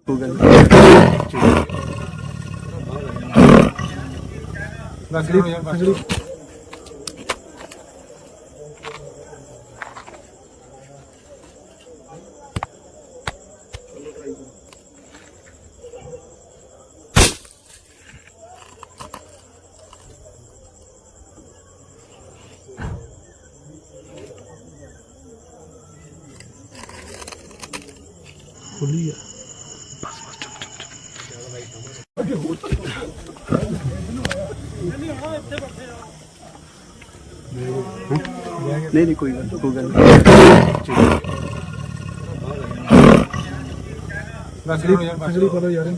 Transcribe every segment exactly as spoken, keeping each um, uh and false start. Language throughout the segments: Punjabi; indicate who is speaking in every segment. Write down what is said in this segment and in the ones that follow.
Speaker 1: खुली है बस बस चुप चुप चुप नहीं नहीं कोई गल कोई गल खसड़ी करो यार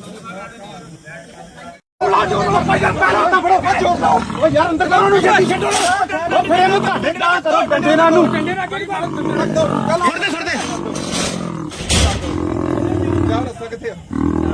Speaker 1: यार अंदर करो नु जल्दी छड्डो ओ फिर ਇਹਨੂੰ ਤੁਹਾਡੇ ਕਰਾ ਕਰੋ ਡੰਡੇ ਨਾਲ ਨੂੰ ਡੰਡੇ ਨਾਲ ਕਿਹੜੀ ਬਾਤ ਛੱਡ ਦੇ ਛੱਡ ਦੇ ਯਾਰ ਰਸਤਾ ਕਿੱਥੇ ਆ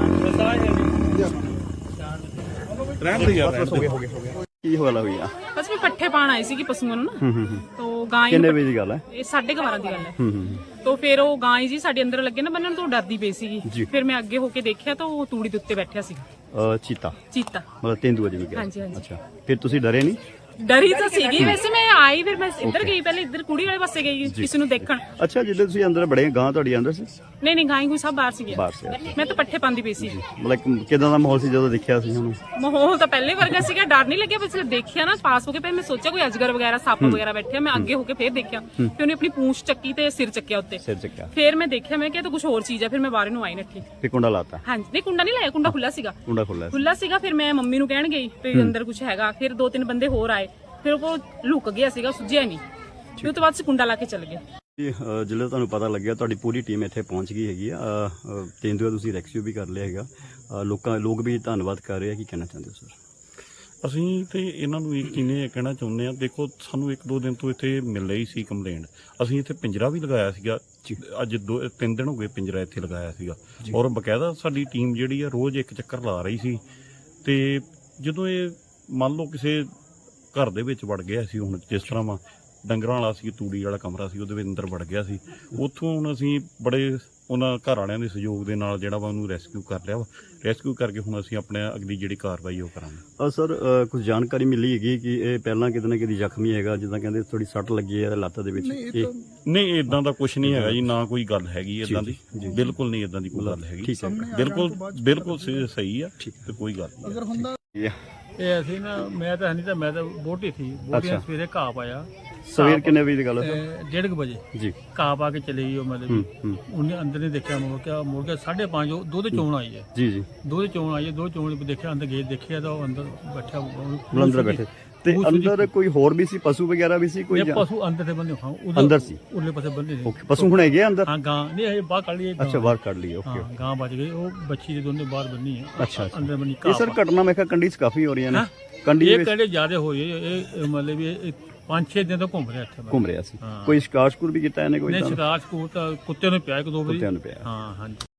Speaker 1: ਰਹਿਣ ਦੇ ਯਾਰ ਹੋ ਗਿਆ ਹੋ ਗਿਆ ਹੋ ਗਿਆ ਕੀ ਹੋਇਆ ਹੋਈ ਆ
Speaker 2: ਬਸ ਮੈਂ ਪੱਠੇ ਪਾਣ ਆਈ ਸੀ ਕਿ ਪਸ਼ੂਆਂ ਨੂੰ ਨਾ ਤੋ ਗਾਂ
Speaker 1: ਕਿੰਨੇ ਵਜੇ ਦੀ ਗੱਲ ਹੈ
Speaker 2: ਇਹ ਸਾਢੇ ਬਾਰਾਂ ਦੀ ਗੱਲ ਹੈ ਤੋ ਫਿਰ ਉਹ ਗਾਂ ਜੀ ਸਾਡੇ ਅੰਦਰ ਲੱਗੇ ਨਾ ਬੰਨਣ ਤੋਂ ਡਰਦੀ ਪਈ ਸੀਗੀ ਫਿਰ ਮੈਂ ਅੱਗੇ ਹੋ ਕੇ ਦੇਖਿਆ ਤਾਂ ਉਹ ਤੂੜੀ ਦੇ ਉੱਤੇ ਬੈਠਿਆ ਸੀ
Speaker 1: ਚੀਤਾ
Speaker 2: ਚੀਤਾ
Speaker 1: ਮਤਲਬ ਤੇਂਦੂਆ ਜਿਵੇਂ ਕਿਹਾ
Speaker 2: ਹਾਂਜੀ ਹਾਂਜੀ
Speaker 1: ਅੱਛਾ ਫਿਰ ਤੁਸੀਂ ਡਰੇ ਨਹੀਂ
Speaker 2: ਡਰੀ ਤਾਂ ਸੀਗੀ ਵੈਸੇ ਮੈਂ ਆਈ ਫਿਰ ਮੈਂ ਇੱਧਰ ਗਈ ਪਹਿਲੇ ਇੱਧਰ ਕੁੜੀ ਵਾਲੇ ਪਾਸੇ ਗਈ ਕਿਸੇ ਨੂੰ ਦੇਖਣ
Speaker 1: ਅੱਛਾ ਜਦੋਂ ਤੁਸੀਂ ਅੰਦਰ ਬੜੇ ਗਾਂ ਤੁਹਾਡੀ ਅੰਦਰ ਸੀ
Speaker 2: ਨਹੀਂ ਨਹੀਂ ਗਾਂ ਕੋਈ ਸਭ ਬਾਹਰ ਸੀ
Speaker 1: ਬਾਹਰ ਸੀ
Speaker 2: ਮੈਂ ਤਾਂ ਪੱਠੇ ਪਾਉਂਦੀ ਪਈ ਸੀ
Speaker 1: ਮਤਲਬ ਕਿਦਾਂ ਦਾ ਮਾਹੌਲ ਸੀ ਜਦੋਂ ਦੇਖਿਆ ਸੀ ਉਹਨੂੰ
Speaker 2: ਮਾਹੌਲ ਤਾਂ ਪਹਿਲੇ ਵਰਗਾ ਸੀਗਾ ਡਰ ਨਹੀਂ ਲੱਗਿਆ ਬਸ ਦੇਖਿਆ ਨਾ ਪਾਸ ਹੋ ਕੇ ਫਿਰ ਮੈਂ ਸੋਚਿਆ ਕੋਈ ਅਜਗਰ ਵਗੈਰਾ ਸੱਪ ਵਗੈਰਾ ਬੈਠਿਆ ਮੈਂ ਅੱਗੇ ਹੋ ਕੇ ਫਿਰ ਦੇਖਿਆ ਫਿਰ ਉਹਨੇ ਆਪਣੀ ਪੂੰਛ ਚੱਕੀ ਤੇ ਸਿਰ ਚੱਕਿਆ ਉੱਤੇ
Speaker 1: ਸਿਰ ਚੱਕਿਆ
Speaker 2: ਫਿਰ ਮੈਂ ਦੇਖਿਆ ਮੈਂ ਕਿਹਾ ਤਾਂ ਕੁਝ ਹੋਰ ਚੀਜ਼ ਹੈ ਫਿਰ ਮੈਂ ਬਾਹਰ ਨੂੰ ਆਈ ਨੱਠੀ
Speaker 1: ਫਿਰ ਕੁੰਡਾ ਲਾਤਾ
Speaker 2: ਹਾਂਜੀ ਨਹੀਂ ਕੁੰਡਾ ਨਹੀਂ ਲਾਇਆ ਕੁੰਡਾ ਖੁੱਲਾ ਸੀਗਾ
Speaker 1: ਕੁੰਡਾ ਖੁੱਲਾ
Speaker 2: ਖੁੱਲਾ ਸੀਗਾ ਫਿਰ ਮੈਂ ਮੰਮੀ ਨੂੰ ਕਹਿਣ ਗਈ ਵੀ ਅੰਦਰ ਕੁਝ ਹੈਗਾ ਫਿਰ ਦੋ ਤਿੰਨ ਬੰਦੇ ਹੋਰ ਆਏ ਫਿਰ ਉਹ ਲੁਕ ਗਿਆ ਸੀਗਾ ਸੁੱਜਿਆ ਨਹੀਂ ਫਿਰ ਉਸ ਤੋਂ ਬਾਅਦ ਅਸੀਂ ਕੁੰਡਾ ਲਾ ਕੇ ਚੱਲ ਗਏ
Speaker 1: ਜਦੋਂ ਤੁਹਾਨੂੰ ਪਤਾ ਲੱਗਿਆ ਤੁਹਾਡੀ ਪੂਰੀ ਟੀਮ ਇੱਥੇ ਪਹੁੰਚ ਗਈ ਹੈਗੀ ਆ ਤੇਂਦੂਆ ਤੁਸੀਂ ਰੈਸਕਿਊ ਵੀ ਕਰ ਲਿਆ ਹੈਗਾ ਲੋਕਾਂ ਲੋਕ ਵੀ ਧੰਨਵਾਦ ਕਰ ਰਹੇ ਆ ਕੀ ਕਹਿਣਾ ਚਾਹੁੰਦੇ ਹੋ ਸਰ
Speaker 3: ਅਸੀਂ ਤੇ ਇਹਨਾਂ ਨੂੰ ਇੱਕ ਕਿਨੇ ਕਹਿਣਾ ਚਾਹੁੰਦੇ ਆ ਦੇਖੋ ਸਾਨੂੰ ਇੱਕ ਦੋ ਦਿਨ ਤੋਂ ਇੱਥੇ ਮਿਲ ਰਹੀ ਸੀ ਕੰਪਲੇਂਟ ਅਸੀਂ ਇੱਥੇ ਪਿੰਜਰਾ ਵੀ ਲਗਾਇਆ ਸੀਗਾ ਅੱਜ ਦੋ ਤਿੰਨ ਦਿਨ ਹੋ ਗਏ ਪਿੰਜਰਾ ਇੱਥੇ ਲਗਾਇਆ ਸੀਗਾ ਔਰ ਬਕਾਇਦਾ ਸਾਡੀ ਟੀਮ ਜਿਹੜੀ ਆ ਰੋਜ਼ ਇੱਕ ਚੱਕਰ ਲਾ ਰਹੀ ਸੀ ਤੇ ਜਦੋਂ ਇਹ ਮੰਨ ਲਓ ਕਿਸੇ ਘਰ ਦੇ ਵਿੱਚ ਵੜ ਗਿਆ ਸੀ ਹੁਣ ਜਿਸ ਤਰ੍ਹਾਂ ਵਾ ਡੰਗਰਾਂ ਵਾਲਾ ਸੀ ਤੂੜੀ ਵਾਲਾ ਕਮਰਾ ਸੀ ਉਹਦੇ ਵਿੱਚ ਅੰਦਰ ਵੜ ਗਿਆ ਸੀ ਉੱਥੋਂ ਹੁਣ ਅਸੀਂ ਬੜੇ ਉਹਨਾਂ ਘਰ ਵਾਲਿਆਂ ਦੇ ਸਹਿਯੋਗ ਦੇ ਨਾਲ ਜਿਹੜਾ ਵਾ ਉਹਨੂੰ ਰੈਸਕਿਊ ਕਰ ਲਿਆ ਵਾ ਰੈਸਕਿਊ ਕਰਕੇ ਹੁਣ ਅਸੀਂ ਆਪਣੇ ਅਗਲੀ ਜਿਹੜੀ ਕਾਰਵਾਈ ਉਹ ਕਰਾਂਗੇ
Speaker 1: ਸਰ ਕੁਝ ਜਾਣਕਾਰੀ ਮਿਲੀ ਹੈਗੀ ਕਿ ਇਹ ਪਹਿਲਾਂ ਕਿਤੇ ਨਾ ਕਿਤੇ ਜ਼ਖਮੀ ਹੈਗਾ ਜਿੱਦਾਂ ਕਹਿੰਦੇ ਥੋੜੀ ਸੱਟ ਲੱਗੀ ਹੈ ਲੱਤ ਦੇ ਵਿੱਚ
Speaker 3: ਨਹੀਂ ਇਦਾਂ ਦਾ ਕੁਝ ਨਹੀਂ ਹੈਗਾ ਜੀ ਨਾ ਕੋਈ ਗੱਲ ਹੈਗੀ ਇਦਾਂ ਦੀ ਬਿਲਕੁਲ ਨਹੀਂ ਇਦਾਂ ਦੀ ਕੋਈ ਗੱਲ ਹੈਗੀ ਬਿਲਕੁਲ ਬਿਲਕੁਲ ਸਹੀ ਆ ਤੇ ਕੋਈ ਗੱਲ ਨਹੀਂ
Speaker 4: ਇਹ ਅਸੀਂ ਨਾ ਮੈਂ ਤਾਂ ਨਹੀਂ ਤਾਂ ਮੈਂ ਤਾਂ ਬੋਟੀ ਸੀ ਬੋਟੀਆਂ ਸਵੇਰੇ ਘਾਹ ਪਾਇਆ
Speaker 1: ਸਵੇਰ ਕਿੰਨੇ ਵਜੇ ਦੀ ਗੱਲ ਹੈ
Speaker 4: ਡੇਢ ਕੁ ਵਜੇ
Speaker 1: ਜੀ
Speaker 4: ਘਾਹ ਪਾ ਕੇ ਚਲੇ ਗਈ ਉਹ ਮਤਲਬ ਉਹਨੇ ਅੰਦਰ ਨਹੀਂ ਦੇਖਿਆ ਮੁੜ ਕੇ ਮੁੜ ਕੇ ਸਾਢੇ ਪੰਜ ਦੁੱਧ ਚੋਣ ਆਈ ਹੈ
Speaker 1: ਜੀ ਜੀ
Speaker 4: ਦੁੱਧ ਚੋਣ ਆਈ ਹੈ ਦੁੱਧ ਚੋਣ ਦੇਖਿਆ ਅੰਦਰ ਗਏ ਦੇਖਿਆ ਤਾਂ ਉਹ ਅੰਦਰ ਬੈਠਾ
Speaker 1: ਅੰਦਰ ਬੈਠੇ ਤੇ ਅੰਦਰ ਕੋਈ ਹੋਰ ਵੀ ਸੀ ਪਸ਼ੂ ਵਗੈਰਾ ਵੀ ਸੀ ਕੋਈ
Speaker 4: ਪਸ਼ੂ ਅੰਦਰ ਤੇ ਬੰਦੇ ਹਾਂ
Speaker 1: ਅੰਦਰ ਸੀ
Speaker 4: ਉਰਲੇ ਪਾਸੇ ਬੰਦੇ ਸੀ
Speaker 1: ਪਸ਼ੂ ਹੁਣ ਹੈਗੇ ਅੰਦਰ
Speaker 4: ਹਾਂ ਗਾਂ ਨਹੀਂ ਇਹ ਬਾਹਰ ਕੱਢ ਲਈ
Speaker 1: ਅੱਛਾ ਬਾਹਰ ਕੱਢ ਲਈ ਓਕੇ
Speaker 4: ਗਾਂ ਬਚ ਗਈ ਉਹ ਬੱਚੀ ਦੇ ਦੋਨੇ ਬਾਹਰ ਬੰਨੀ ਹੈ
Speaker 1: ਅੱਛਾ
Speaker 4: ਅੰਦਰ ਬੰਨੀ
Speaker 1: ਇਹ ਸਰ ਘਟਨਾ ਮੈਂ ਕਿਹਾ ਕੰਡੀ ਚ ਕਾਫੀ ਹੋ ਰਹੀਆਂ ਨੇ ਕੰਡੀ
Speaker 4: ਇਹ ਕੰਡੇ ਜ਼ਿਆਦਾ ਹੋਈ ਇਹ ਮਤਲਬ ਇਹ ਪੰਜ ਛੇ ਦਿਨ ਤੋਂ ਘੁੰਮ ਰਿਹਾ ਇੱਥੇ
Speaker 1: ਘੁੰਮ ਰਿਹਾ ਸੀ ਕੋਈ ਸ਼ਿਕਾਰ ਸ਼ਕੂਰ ਵੀ ਕੀਤਾ ਇਹਨੇ ਕੋਈ
Speaker 4: ਨਹੀਂ ਸ਼ਿਕਾਰ ਸ਼ਕੂਰ ਤਾਂ ਕੁੱਤੇ ਨੂੰ ਪਿਆ ਇੱਕ ਦੋ ਵਾਰੀ
Speaker 1: ਕੁੱਤਿਆਂ ਨੂੰ ਪਿਆ
Speaker 4: ਹਾਂ ਹਾਂਜੀ